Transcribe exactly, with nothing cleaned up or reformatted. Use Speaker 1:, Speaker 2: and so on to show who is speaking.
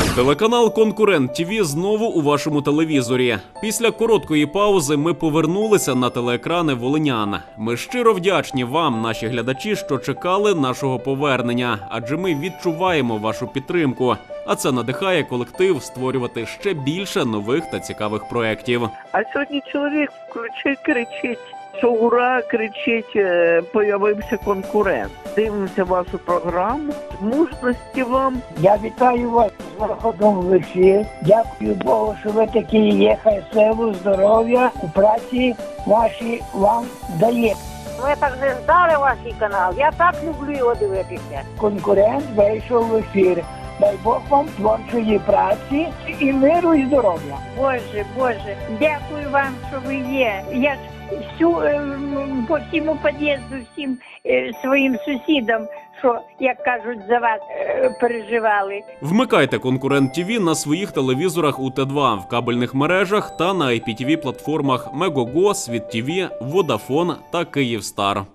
Speaker 1: Телеканал «Конкурент ТВ» знову у вашому телевізорі. Після короткої паузи ми повернулися на телеекрани волинян. Ми щиро вдячні вам, наші глядачі, що чекали нашого повернення, адже ми відчуваємо вашу підтримку. А це надихає колектив створювати ще більше нових та цікавих проєктів.
Speaker 2: А сьогодні чоловік включить, кричить, що ура, кричить, появився конкурент. Дивимося вашу програму. Мужності вам.
Speaker 3: Я вітаю вас з виходом в ефір. Дякую Богу, що ви такі є. Хай силу, здоров'я у праці вашій вам дає.
Speaker 4: Ми так не ждали ваш канал. Я так люблю його дивитися.
Speaker 3: Конкурент вийшов в ефір. Дай Бог вам творчої праці і миру, і здоров'я.
Speaker 4: Боже, Боже, дякую вам, що ви є. Я ж всю, ем, по всьому під'їзду, всім е, своїм сусідам, що, як кажуть, за вас е, переживали.
Speaker 1: Вмикайте «Конкурент ТВ» на своїх телевізорах у Т два, в кабельних мережах та на ай пі ті ві платформах Мегого, Світ ТВ, Водафон та Київстар.